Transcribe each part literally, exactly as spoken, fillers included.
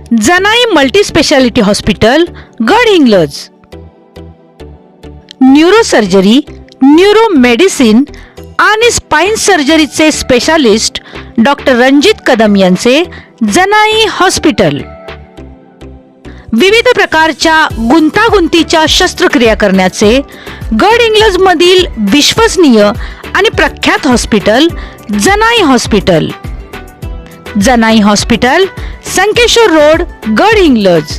Janai multispeciality hospital Gadhinglaj. Neurosurgery, neuro medicine आणि spine सर्जरीचे specialist doctor Ranjit Kadam यांचे जनाई हॉस्पिटल. विविध प्रकारच्या गुंतागुंतीच्या शस्त्रक्रिया करण्याचे गडहिंग्लज मधील विश्वसनीय आणि प्रख्यात hospital Janai hospital. Janai hospital, Sankeshwar road, Gadhinglaj.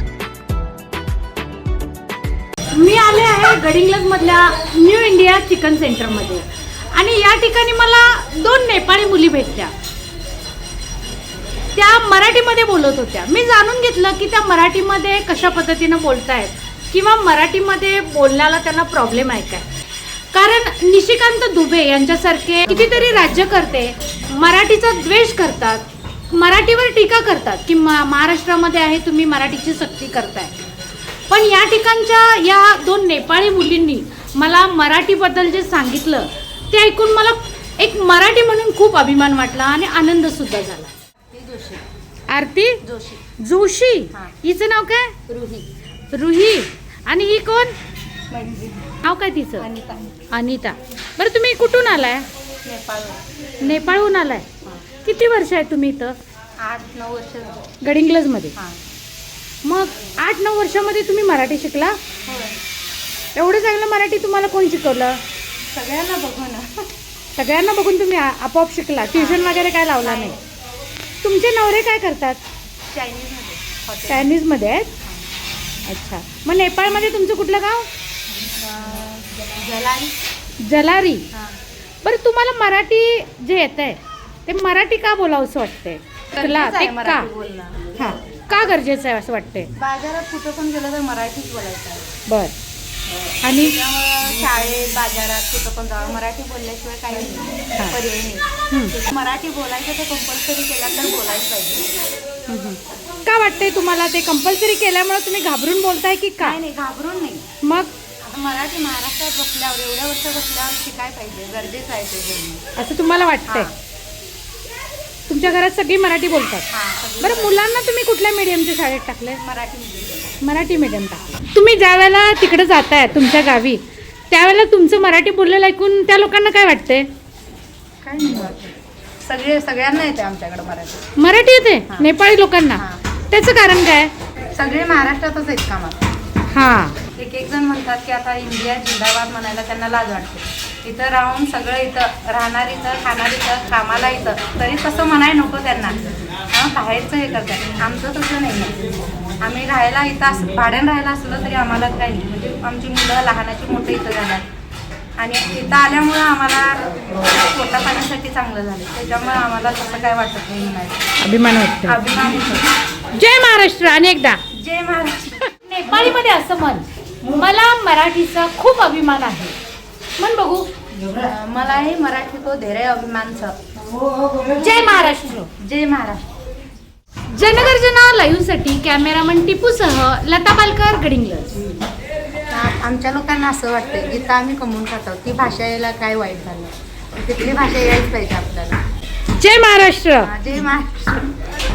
मी आले आहे गडहिंग्लज मधल्या न्यू इंडिया चिकन सेंटर मध्ये आणि या ठिकाणी मला दोन नेपाळी मुली भेटल्या. त्या मराठीमध्ये बोलत होत्या. मी जाणून घेतलं की त्या मराठीमध्ये कशा पद्धतीनं बोलतायत किंवा मराठीमध्ये बोलण्याला त्यांना प्रॉब्लेम आहे काय. कारण निशिकांत दुबे यांच्यासारखे कितीतरी राज्यकर्ते मराठीचा द्वेष करतात, मराठीवर टीका करतात की महाराष्ट्रामध्ये आहे तुम्ही मराठीची सक्ती करताय. पण या ठिकाणच्या या दोन नेपाळी मुलींनी मला मराठीबद्दल जे सांगितलं ते ऐकून मला एक मराठी म्हणून खूप अभिमान वाटला आणि आनंद सुद्धा झाला. आरती जोशी. जोशी हिचं नाव काय? रुही. रुही. आणि ही कोण? नाव काय तिचं? अनिता. अनिता. बरं तुम्ही कुठून आलाय? नेपाळ. नेपाळहून आलाय. किती वर्ष आहे तुम्ही इथं? आठ नऊ वर्ष गडहिंग्लज मध्ये. मग आठ नऊ वर्षामध्ये तुम्ही मराठी शिकला? एवढं चांगलं मराठी तुम्हाला कोण शिकवलं? सगळ्यांना बघून. सगळ्यांना बघून तुम्ही आपोआप शिकला? ट्युशन वगैरे काय लावला नाही? तुमचे नवरे काय करतात? चायनीजमध्ये. चायनीजमध्ये आहेत. अच्छा. मग नेपाळमध्ये तुमचं कुठलं गाव? जलारी. जलारी. बरं तुम्हाला मराठी जे येत आहे ते मराठी का बोलावंसं वाटतंय? ते का? हां, का गरजेचं आहे असं वाटतंय? बाजारात कुठं पण गेलं तर मराठीच बोलायचं आहे. बर. आणि त्यामुळं शाळेत बाजारात कुठं पण जावं मराठी बोलल्याशिवाय काही नाही, पर्याय नाही. मराठी बोलायचं तर कंपल्सरी केला तर बोलायला पाहिजे. का वाटतंय तुम्हाला ते कंपल्सरी केल्यामुळे तुम्ही घाबरून बोलताय की काय? नाही, घाबरून नाही. मग मराठी महाराष्ट्रात बसल्यावर एवढ्या वर्ष बसल्यावर शिकाय पाहिजे, गरजेचं आहे ते बोलणं असं तुम्हाला वाटतंय? तुमच्या घरात सगळी मराठी बोलतात? बरं मुलांना तुम्ही कुठल्या मीडियमच्या शाळेत टाकले? मराठी मीडियम. मराठी मीडियम टाकले. तुम्ही ज्या वेळेला तिकडे जाताय तुमच्या गावी त्यावेळेला तुमचं मराठी बोललेलं ऐकून त्या लोकांना काय वाटतंय? काय नाही वाटत. सगळे सगळ्यांना येते आमच्याकडे मराठी. मराठी येते नेपाळी लोकांना? त्याचं कारण काय? सगळे महाराष्ट्रातच आहेत कामात. हां. एक एक जण म्हणतात की आता इंडिया जिंदाबाद म्हणायला त्यांना लाज वाटते. इथं राहून सगळं इथं राहणार, इथं खाणार, इथं कामाला इथं, तरी तसं म्हणाय नको त्यांना. हां, बाहेरचं हे करतात. आमचं तसं नाही आहे. आम्ही राहायला इथं असं भाड्यानं राहायला असलं तरी आम्हाला काही नाही. म्हणजे आमची मुलं लहानाची मोठे इथं झाल्यात आणि इथं आल्यामुळं आम्हाला पोटा पाण्यासाठी चांगलं झालं. त्याच्यामुळे आम्हाला तसं काय वाटत नाही म्हणायचं. अभिमान वाटतो. अभिमान होतो. जय महाराष्ट्र. आणि एकदा जय महाराष्ट्र. नेपाळीमध्ये असं म्हण, मला मराठीचा खूप अभिमान आहे. म्हण बघू. मलाही मराठी को धेरै अभिमान छ. जय महाराष्ट्र. जय महाराष्ट्र. जनगर्जना लाईव्हसाठी कॅमेरामन टिपूसह लता पालकर, गडहिंग्लज. आमच्या लोकांना असं वाटतं इथं आम्ही कमवून खातो, ती भाषा यायला काय वाईट झालं, तिथली भाषा यायच पाहिजे आपल्याला. जय महाराष्ट्र. जय महाराष्ट्र.